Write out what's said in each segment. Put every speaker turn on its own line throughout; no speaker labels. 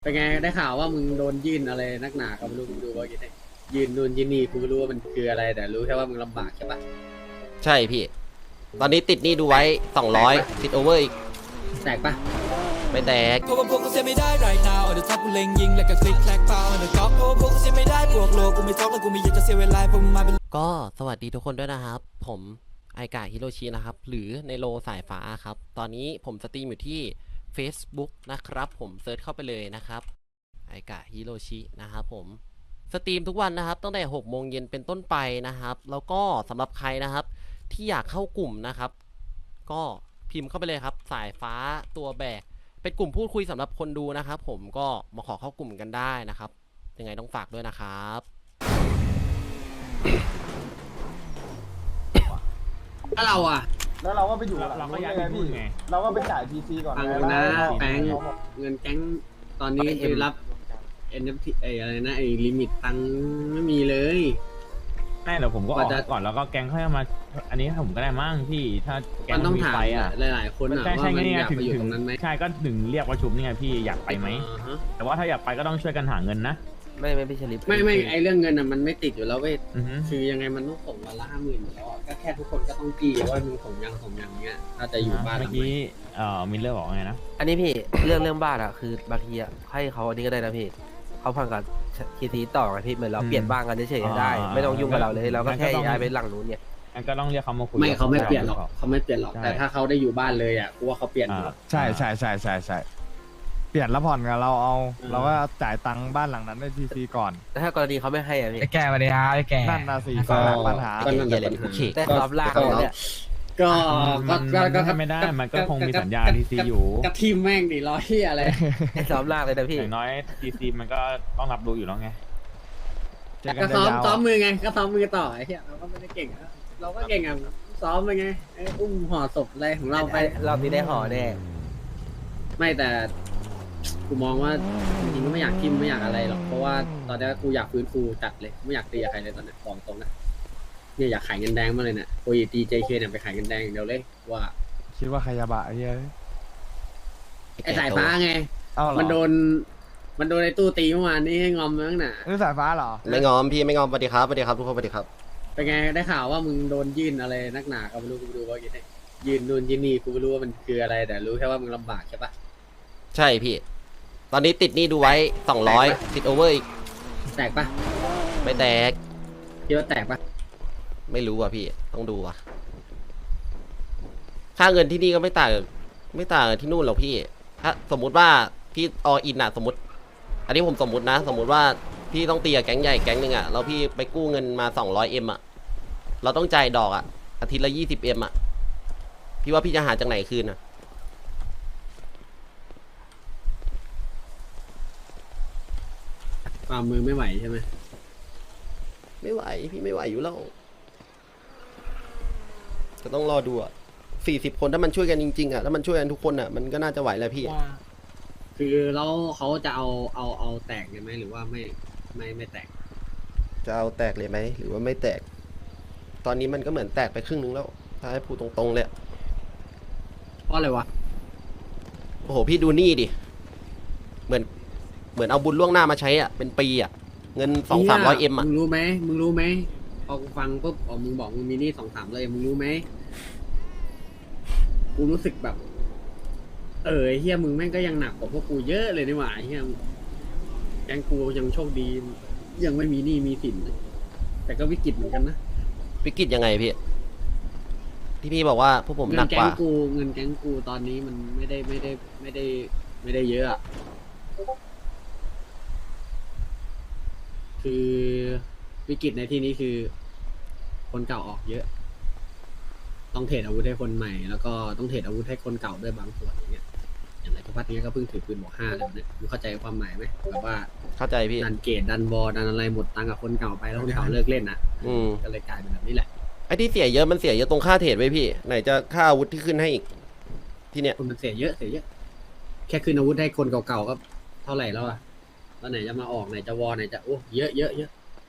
เป็นไงได้ข่าวว่ามึงโดนยื่นอะไรนักหนาก็ไม่รู้มึงดูว่าอย่างไรยื่นนู่นยื่นนี่กูไม่รู้ว่ามันคืออะไรแต่รู้แค่ว่ามึงลำบากใช่ปะ
ใช่พี่ตอนนี้ติดหนี้ดูไว้200ติดโอเวอร์อีก
แตกปะ
ไม่แตก
เพราะว่าพวกกูเสียไม่ได้ right now on the top กูเล็งยิงแล้วก็คลิกแคลกเปล่า on the top เพราะว่าพวกกูเสียไม่ได้บวกโลกูไม่ท้องแล้วกูไม่อยากจะเสียเวลาพวกมึงมาเป็น
ก็สวัสดีทุกคนด้วยนะครับผมไอกะฮิโรชินะครับหรือในโลสายฟ้าครับตอนนี้ผมสตรีมอยู่ที่ Facebook นะครับผมเซิร์ชเข้าไปเลยนะครับไอกะฮิโรชินะครับผมสตรีมทุกวันนะครับตั้งแต่6 โมงเย็นเป็นต้นไปนะครับแล้วก็สำหรับใครนะครับที่อยากเข้ากลุ่มนะครับก็พิมพ์เข้าไปเลยครับสายฟ้าตัวแบกเป็นกลุ่มพูดคุยสำหรับคนดูนะครับผมก็มาขอเข้ากลุ่มกันได้นะครับยังไงต้องฝากด้วยนะครับ
ถ้าเราอะ
แล้วเราก็ไปอยู่หลัง
เราก็
นู้น
ย้าย
ไง
ไปพู
พี่
ดไง
เราก็ไปจ่าย PC ก่อน
ฟัง
ไง
ดูนะ
ล้ว
แปงเงินแก๊งตอนนี้คือรับ NFT ไอ้อะไรนะไอ้ลิมิตตังค์ไม่มีเลย
ไม่เดี๋ยวผมก็ออก
ว่าจะ
ก่อนแล้วก็แก๊งค่อยมา อันนี้ผมก็ได้มั่งพี่ถ้าแก๊ง
มันต้อง
มี
ถาม
ไฟอ่ะ
หลายๆคนอะ
ใช่
ว่า
ใช่
มัน
ไง
อยาก
ถึง
ไปอยู่
ถึ
ตรงนั้นไหม
ใช่ก็ถึงเรียกประชุมนี่ไงพี่อยากไปไหม
อ่าฮะ
แต่ว่าถ้าอยากไปก็ต้องช่วยกันหาเงินนะ
ไม่พี่ชลิป
ไม่ไอเรื่องเงินอะมันไม่ติดอยู่แล้วเว้ย
อือฮึ
คือยังไงมันต้องส่งวันละ50,000อยู่แล้วอะก็แค่ทุกคนก็ต้องจี้ว่ามึงส่งยังเงี้ยถ้าจะอยู่บ้านห
เมื่
ลั
อง
ไหน
กี้มิลเลอร์บอกว่าไงนะ
อันนี้พี่ เรื่องบ้านอะคือบางทีอะให้เขาอันนี้ก็ได้นะพี่เขาพังกับทีทีต่อกันพี่เหมือนเราเปลี่ยนบ้านกันเฉยๆได้ ไม่ต้องยุ่งกับเราเลยเราก็แค่ย้ายไปหลังนู้นเนี่ย
งั้นก็ต้องเรียกเขามาคุย
ไม่เขาไม่เปลี่ยนหรอกเขาไม่เปลี่ยนหรอกแต่ถ้าเขาได้อยู่บ้านเลยอะกูว่าเขาเปลี่ยนอยู่
ใช่เปลี่ยนแล้วผ่อนกับเราเอา เราก็จ่ายตังค์บ้านหลังนั้นในทีซีก่อน
แต่ถ้ากรณีเขาไม่ให้อะพี่
ไอ้แกมาเลยฮะไอ้แกนั่นนะสิปัญหา
ก็นั่นแหละปัญหา
แต่รอบล่างเนี่ย
ก็
มันไม่ได้ มันก็คงมีสัญญาทีซีอยู่
กระทิมแม่งดิร้อยที่อะไร
ไอ้รอบล่างเลยนะพี่
อย่างน้อยทีซีมันก็ต้องรับรู้อยู่แล้วไง
เจอกั
ก็
น
ซ้อม
ยาว
ซ้อมมือไงก็ซ้อมมือต่อไอ้เหี้ยเราก็ไม่ได้เก่งอะเราก็เก่งอ่ะซ้อมไปไงไอ้อุ้มห่อศพอะไรของเราไป
รอบนี้ได้ห่อแน่
ไม่แต่กูมองว่าจริงๆก็ไม่อยากทิมไม่อยากอะไรหรอกเพราะว่าตอนนี้กูอยากฟื้นฟูจัดเลยไม่อยากตีกับใครเลยตอนนี้บอกตรงนะเนี่ยอยากขายเงินแดงมาเลยเนี่ยโอ้ยตีเจเคเนี่ยไปขายเงินแดงอย่างเดียวเลยว่า
คิดว่าใครยาบะไอ้เหี้ย
ไอ้สายฟ้าไง
เอ้าเหรอ
มันโดนไอ้ตู้ตีเมื่อวานนี้ให้งอมมั้งน่ะ
นี่สายฟ้าเหรอ
ไม่งอมพี่ไม่งอมสวัสดีครับสวัสดีครับทุกคนสวัสดีครับ
เป็นไงได้ข่าวว่ามึงโดนยื่นอะไรนักหนาก็ไม่รู้กูดูว่าอย่างไรยื่นนู่นยื่นนี่กูไม่รู้ว่ามันคืออะไรแต่รู้แค่ว่ามึงลำบากใช่ปะ
ใช่พี่ตอนนี้ติดหนี้ดูไว้200ติดโอเวอร์อีก
แตกปะ
ไม่แตก
คิดว่าแตกปะ
ไม่รู้อ่ะพี่ต้องดูอ่ะค่าเงินที่นี่ก็ไม่ต่างกับที่นู่นหรอกพี่ถ้าสมมุติว่าพี่ออินอ่ะสมมติ อันนี้ผมสมมุตินะสมมุติว่าพี่ต้องตีกับแก๊งใหญ่แก๊งหนึ่งอ่ะแล้วพี่ไปกู้เงินมา200Mอ่ะเราต้องจ่ายดอกอ่ะอาทิตย์ละ20Mอ่ะพี่ว่าพี่จะหาจากไหนคืนอ่ะ
ความมือไม่ไหวใช่ไหม
ไม่ไหวพี่ไม่ไหวอยู่แล้วจะต้องรอดูอ่ะ40 คนถ้ามันช่วยกันจริงๆอ่ะถ้ามันช่วยกันทุกคนอ่ะมันก็น่าจะไหวแหละพี่
คือแล้วเขาจะเอาแตกเลยไหมหรือว่าไม่แตก
จะเอาแตกเลยไหมหรือว่าไม่แตก ตอนนี้มันก็เหมือนแตกไปครึ่งนึงแล้วถ้าให้พูดตรงๆเลย
เพราะอะไรวะ
โอ้โหพี่ดูนี่ดิเหมือนเอาบุญล่วงหน้ามาใช้อ่ะเป็นปีอ่ะเงิน200-300Mอ่ะ
มึงรู้ไหมพอกูฟังปุ๊บมึงบอกมึงมีหนี้200-300เลยมึงรู้ไหมกูรู้สึกแบบไอ้เฮียมึงแม่งก็ยังหนักกว่าพวกกูเยอะเลยนี่หว่าไอ้เฮียแกงกูยังโชคดียังไม่มีหนี้มีสินแต่ก็วิกฤตเหมือนกันนะ
วิกฤตยังไงพี่ที่พี่บอกว่าพวกผมหนักกว่า
เงินแก๊งกูตอนนี้มันไม่ได้เยอะอะคือวิกฤตในที่นี้คือ คนเก่าออกเยอะ ต้องเทรดอาวุธให้คนใหม่ แล้วก็ต้องเทรดอาวุธให้คนเก่าด้วยบางส่วนอย่างเงี้ยอย่างไรทุกพัฒน์เนี้ยก็เพิ่งถือปืนบอก5เลยเนี่ยมึงเข้าใจความหมายไหมแบบว่า
เข้าใจพี่
ดันเกตดันบอดันอะไรหมดตังค์กับคนเก่าไปแล้วคนเก่าเลิกเล่นอ่ะ ก็เลยกลายเป็นแบบนี้แหละ
ไอ้ที่เสียเยอะมันเสียเยอะตรงค่าเทรดไว้พี่ไหนจะค่าอาวุธที่ขึ้นให้อีกที่เนี้ย
คนมันเสียเยอะแค่คืนอาวุธให้คนเก่าๆก็เท่าไหร่แล้วอ่ะแล้วไหนจะมาออกไหนจะวอไหนจะโอ้เยอะ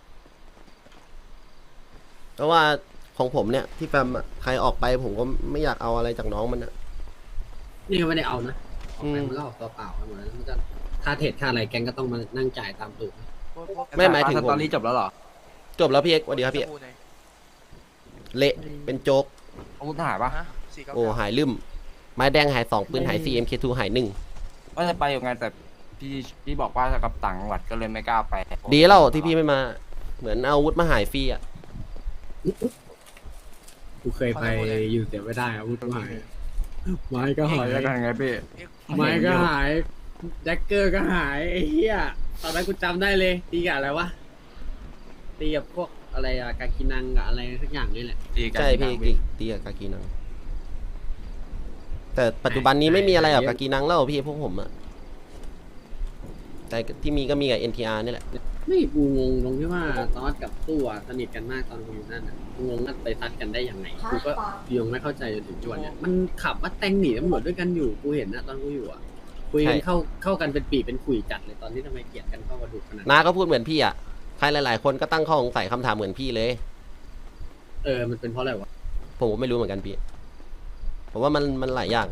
เพราะว่าของผมเนี่ยที่แฟมอะใครออกไปผมก็ไม่อยากเอาอะไรจากน้องมันอะ
นี่ก็ไม่ได้เอานะออกไปมันก็ออกตัวเปล่าไปหมดแล้วมันก็ค่าเทรดค่าอะไรแก๊งก็ต้องมานั่งจ่ายตามตูด
ไม่หมายถึง
ส
ผม
ตอรี่จบแล้วเหรอ
จบแล้วพี่เอกสวัสดีครับพี่เอกเละเป็นโจ๊ก
อาวุธหายปะ
โอ้หายลืมไม้แดงหาย2ปืนหาย CMK2 หาย1
ว่าจะไปอยู่ไงแต่พี่บอกว่าจะกลับต่างจังหวัดก็เลยไม่กล้าไป
ดีแล้วที่พี่ไม่มา เหมือนเอาอาวุธมาหายฟรีอ่ะ
กูเคยไปอยู่แต่ไม่ได้อาวุธก็หายไม้ก็หาย
แล้วกันไงพี่
ไม้ก็หายแจ็คเกอร์ก็หายไอ้เหี้ยตอนนั้นกูจำได้เลยตีกับอะไรวะตีกับพวกอะไรอะกากินังกับอะไรสักอย่างนี่แหละ
ใช่พี่ตีกับกากีนัง แต่ปัจจุบันนี้ไม่มีอะไรกับกากีนังแล้วพี่พวกผมอะแต่ที่มีก็มีกับ NTR นี่แหละ
ไม่กูงงตรงที่ว่าตอสกับตู้อะสนิทกันมากตอนกูอยู่นั่นอะกูงงว่าไปซัดกันได้ยังไงกูก็ยังไม่เข้าใจจนถึงจวนเนี่ยมันขับว่าแต่งหนีตำรวจด้วยกันอยู่กูเห็นนะตอนกูอยู่อะคุยกัน
ใช่
เข้ากันเป็นปีเป็นขุยจัดเลยตอนนี้ทำไมเกลียดกันเข้ากระดูกขนาดนั้น
น้าก็พูดเหมือนพี่อะใครหลายๆคนก็ตั้งข้อสงสัยคำถามเหมือนพี่เลย
มันเป็นเพราะอะไรวะ
ผมก็ไม่รู้เหมือนกันพี่ ผมว่ามันหลายอย่าง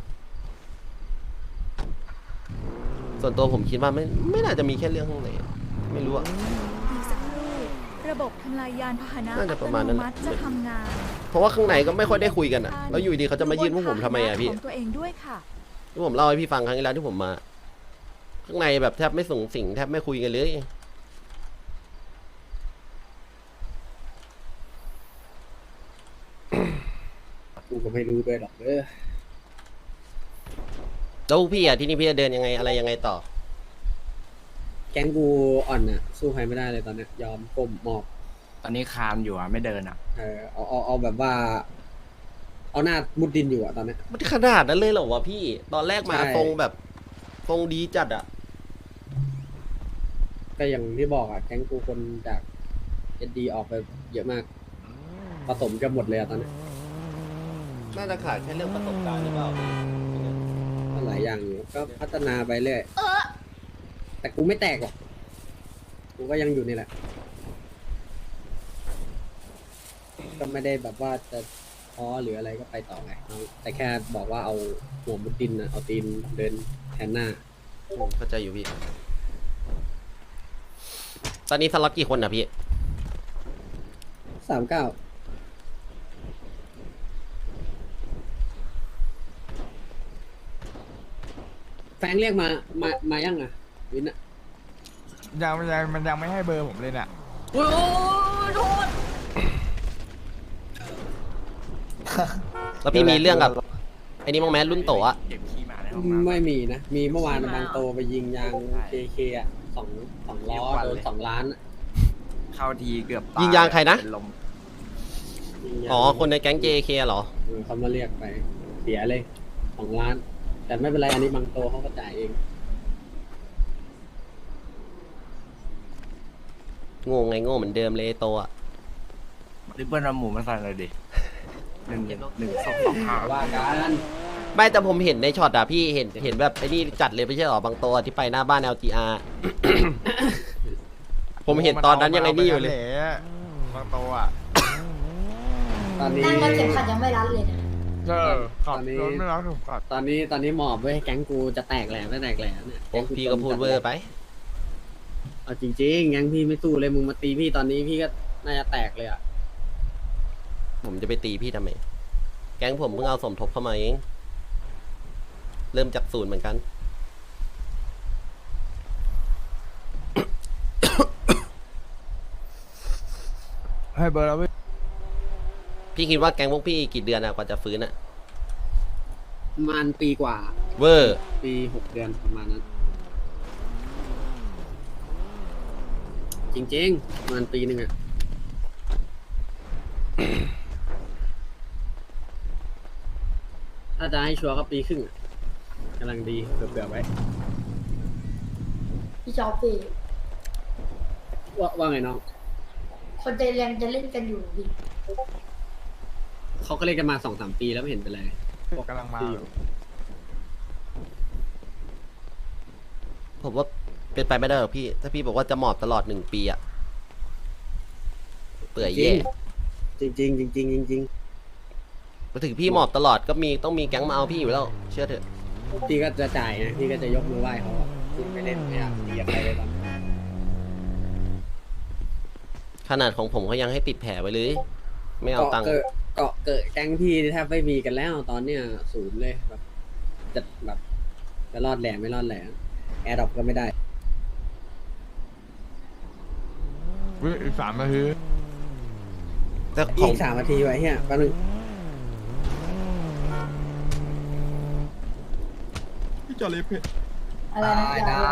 ส่วนตัวผมคิดว่าไม่น่าจะมีแค่เรื่องข้างในไม่รู้อะ
อีกสักครู่ระบบทำลายยานพาหนะ
น่าจะประมาณนั้น
อัตโมัติจะทำงาน
เพราะว่าข้างในก็ไม่ค่อยได้คุยกันอะแล้วอยู่ดีเขาจะมายื่นพวกผมทำไมอะพี่
ของตัวเองด้วยค่ะ
ที่ผมเล่าให้พี่ฟังครั้งที่แล้วที่ผมมา ข้างในแบบแทบไม่ส่งสิ่งแทบไม่คุยกันเลย
กูก็ไม่รู้ด้วยหรอกเด้อ
แล้วพี่อะที่นี่พี่จะเดินยังไงอะไรยังไงต่อ
แก๊งกูอ่อนอะสู้ใครไม่ได้เลยตอนเนี้ยยอมก้มหมอบ
ตอนนี้คานอยู่อ่ะไม่เดินอ่ะ
เอาแบบว่า เอาหน้ามุดดินอยู่อะตอนเนี้ย
มันขนาดนั้นเลยเหรอวะพี่ ตอนแรกมา
ใช่
ทรงแบบทรงดีจัดอะ
ก็อย่างที่บอกอะแก๊งกูคนจากเอ็ดดีออกไปเยอะมากผสมกันหมดเลยอะตอนเนี้ย
น่าจะขาดแค่เรื่องประสบการณ์หรือเปล่า
ก็หลายอย่างอยู่ก็พัฒนาไปเรื่อยแต่กูไม่แตกหรอกกูก็ยังอยู่นี่แหละ ก็ไม่ได้แบบว่าจะท้อหรืออะไรก็ไปต่อไงแต่แค่บอกว่าเอาหัวมุดดินนะเอาตีนเดินแทนหน้า
ผมเข้าใจอยู่พี่ ตอนนี้สล็อตกี่คนอะพี่
39แฟงเรียกมายังอ่ะวินอ่ะ
มันยังไม่ให้เบอร์ผมเลยเนี่ย
โอ้ยโทษ
แล้วพี่มีเรื่องกับไอ้นี่มั้งแม้รุ่นโตอะ
เก็บขี้หมาในห้องน้ำ
ไม่มีนะ มีเมื่อวานบางโตไปยิงยาง KK อ่ะสองล้อโดน2 ล้านอะ
เข้าทีเกือบตาย
ยิงยางใครนะ
เป็นลม
ยิงยาง
อ๋อ คนในแก๊ง JK เหรอ
เขามาเรียกไป เสียเลย2 ล้าน แต่ไม่เป็นไรอันนี้บางโตเขาก็จ่ายเอง
โง่ไงโง่เหมือนเดิมเลยไอ้โตอะ
ริบเบิ้ลเอาหมูมาใส่เลยดิ1 2 2 5
ว่ากัน
ไม่แต่ผมเห็นในช็อตอะพี่เห็นแบบไอ้นี่จัดเลยไม่ใช่หรอบางโตอะที่ไปหน้าบ้าน LGR ผมเห็นตอนนั้นยังไงนี่อยู่เลย
บางโตอ่ะ
ตอนนี้
นั่งแล้วเข็มขัดยังไม่รัดเลยนะ
ขับรถไม่รับถูกขับ
ตอนนี้หมอบเว้ยแก๊งกูจะแตกแหล่ไม่แตกแหล่เนี่ย
โอ้พี่ก็พูดเวอร์ไป
เอาจริงๆแก๊งพี่ไม่สู้เลยมึงมาตีพี่ตอนนี้พี่ก็น่าจะแตกเลยอ่ะ
ผมจะไปตีพี่ทำไม แก๊งผมเพิ่งเอาสมทบเข้ามาเอง เริ่มจากศูนย์เหมือนกัน
ให้เบอร์แล้วพี่
พี่คิดว่าแก๊งพวกพี่กี่เดือนอะกว่าจะฟื้นอะ
ประมาณปีกว่า
เวอร์
ปี6 เดือนประมาณนั้น จริงๆประมาณปีหนึ่งอ่ะ ถ้าจะให้ชัวร์ก็ปีครึ่งอะกำลังดีเผื่อๆไว้
พี่จอปี
ว่าไงน้อง
คนใจแรงจะเล่นกันอยู่ดิ
เขาก็เล่นกันมา2-3 ปีแล้วไม่เห็นเป็นไร
กำลังมา
ผมว่าเป็นไปไม่ได้หรอกพี่ ถ้าพี่บอกว่าจะหมอบตลอด1 ปีอะเปื่อยแย่
จริงๆจริงๆจริง
มาถึงพี่หมอบตลอดก็ต้องมีแก๊งมาเอาพี่อยู่แล้ว เชื่อเถอะ
ๆพี่ก็จะจ่ายนะพี่ก็จะยกมือไหว้เขาอะทิมไม่เล่นไม่อยากตีกับใครเลยตอนนี้
ขนาดของผมเขายังให้ติดแผลไว้เลย ไม่เอาตังค์
เกาะเกิดแก๊งพี่แทบไม่มีกันแล้วตอนเนี้ยศูนย์เลยแบบจะแบบจะรอดแหล่ไม่รอดแหล่แอร์ดรอปก็ไม่ได้
อุ๊ยอีก3 นาที
แต่ข
อี
อง
ก3 นาทีไว้เฮียแป๊บนึง
อะไรนะได้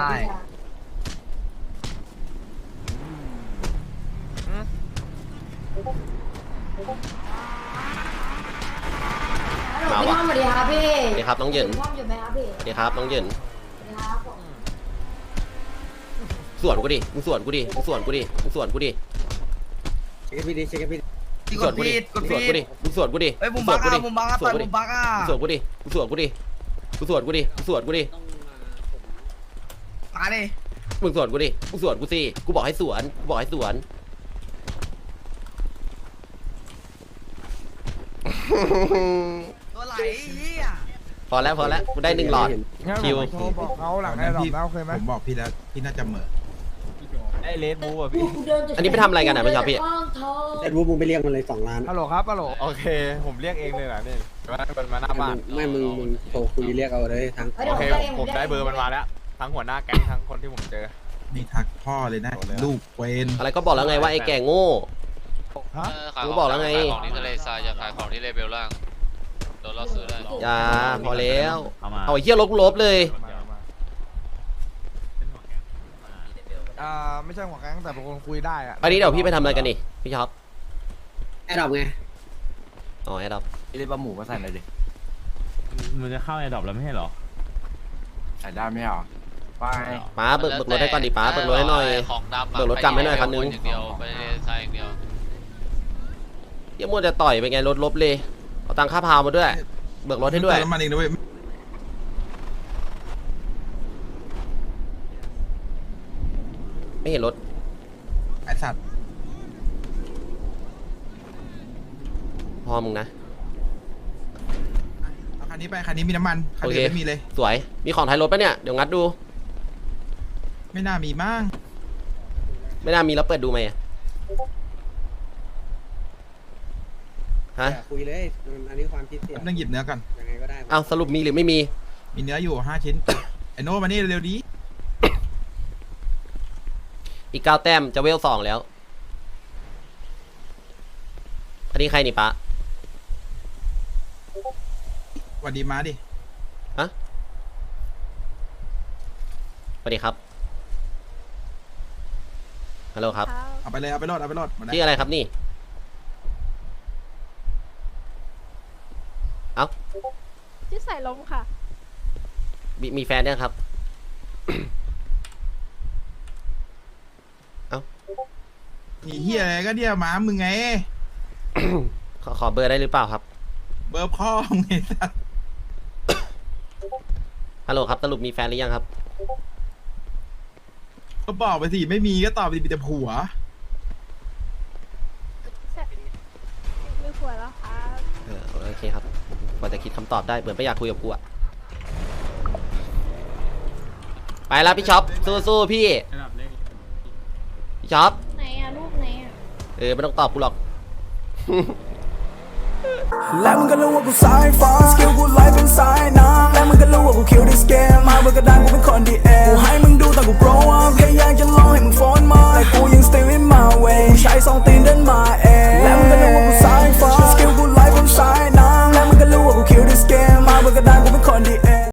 มา
พี่
วะ
ท่อมสวัสดีครับพี่
สวัสดีครับน้องเหยิน
พี่ท่อมอยู่ไหมครับพี่
สวัสดีครับน้องเหยิน
สวัสดีครับผม
สวนกูดิมึงสวนกูดิมึงสวนกูดิมึงสวนกูดิ
เช็คให้พี่ดิเช็คให้พี่ดิ
มึงสวนกูดิมึงสวนกูดิมึงสวนกูดิ
เฮ้ยมุมบักอ่ะมุมบักอ่ะต่อยมุมบักอ่ะ
มึงสวนกูดิมึงสวนกูดิมึงสวนกูดิมึงสวนกูดิ
มาดิ
มึงสวนกูดิมึงสวนกูสิกูบอกให้สวนกูบอกให้สวน
ตัวไหลเหี้ย
พอแล้วกูได้1 หลอด
งั้น
คิว
ผมโทรบอกเขาหลังไอ้ดอกแล้วโอเคไหม
ผมบอกพี่แล้วพี่น่าจะเหม่อ
ไอ้เลดบูอ่ะพี่
อันนี้ไปทำอะไรกันอ่ะพี่ชอบพี่
แต่รู้มึงไปเรียกมันเลย2 ล้าน
ฮัลโหลครับฮัลโหลโอเค ผมเรียกเองเลยเหรอเนี่ยมันมาหน้าบ้าน
ไม่มึงโทรคุยเรียกเอาเลยทาง
โอเคผมได้เบอร์มันมาแล้วทั้งหัวหน้าแก๊งทั้งคนที่ผมเจอ
นี่ทักพ่อเลยนะ ลูกเวน
อะไรก็บอกแล้วไงว่าไอ้แก่โง่
ฮะ
กูบอกแล้วไง
ขายของที่ทะเลทรายอย่าขายของที่เลเบลล่างโดนล่อซื้อได้
อย่าพอแล้ว
เอามา
เอาไอ้เหี้ยลบเลย
ไม่ใช่หัวแก๊งแต่เป็นคนคุยได้อะ
อันนี้เดี๋ยวพี่ไปทำอะไรกันนี่พี่ช็อป
แอร์ดรอปไง
อ๋อแอดดับ
เรียกปลาหมูมาใส่หน่อยดิ
มันจะเข้าไอ้ดรอปแล้วไม่ใช่เหรอ
ใส่ได้ไหมอ่ะไป
ป้าเบิกรถให้ก่อนดิป้าเบิกรถให้หน่อย
ของดำ
เบิกรถกลับให้หน่อยคันนึง
อย่างเดียวไปทะเลทรายอย่างเดียว
เหี้ยมัวจะต่อยไปไงรถลบเลยเอาตังค่าพาวมาด้วย เบิกรถให้ด้วย
น้ำมันเองนะเว้ย
ไม่เห็นรถ
ไอสัตว์
พอมึงนะ
เอาคันนี้ไปคันนี้มีน้ำมันคัน
โอ
อื่
เค
นไม่มีเลย
สวย มีของท้ายรถปะเนี่ย เดี๋ยวงัดดู
ไม่น่ามีมั้ง
ไม่น่ามีแล้วเปิดดูไหมอะฮะ
อย่าคุยเลยอันนี้ความคิดเสีย
ต้องหยิบเนื้อก่อน
ยังไงก็ได้
เอาสรุปมีหรือไม่มี
มีเนื้ออยู่5 ชิ้น ไอโน่มานี่เร็วๆดี
อีก9 แต้มจะเวล2แล้ว อันนี้ใครนี่ปะ
สวัสดีมาดิ
สวัสดีครับ ฮัลโหลครับ
เอาไปเลยเอาไปรอดหมดแล้ว
ชื่ออะไรครับนี่ เอ้า
ชื่อสายลมค่ะ
มีแฟนเนี่ยงครับ
มีเฮียอะไรก็เดียวหมามึงไง
ขอเบอร์ได้หรือเปล่าครับ
เบอร์พ่อมึงไงสัตว์
ฮัลโหลครับสรุปมีแฟนหรือยังครับ
ก็บอกไปสิไม่มีก็ตอบไปสิมีแต่ผัว
มีขวดแล้วค่ะ
โอเคครับพอจะคิดคำตอบได้เหมือนไม่อยากคุยกับกูอะไปแล้วพี่ช็อปสู้ๆพี่พี่ช็อป
ไหนอะรูปไหนอะ
ไม่ต้องตอบกูหรอก
และมึงก็รู้ว่ากูสายฟ้าสกิลกูไลฟ์เป็นสายน้ำและมึงก็รู้ว่ากูคิวดิสเกมมาเบอร์กระดานกูเป็นคนดีเอกูให้มึงดูตอนกู grow up แค่อยาก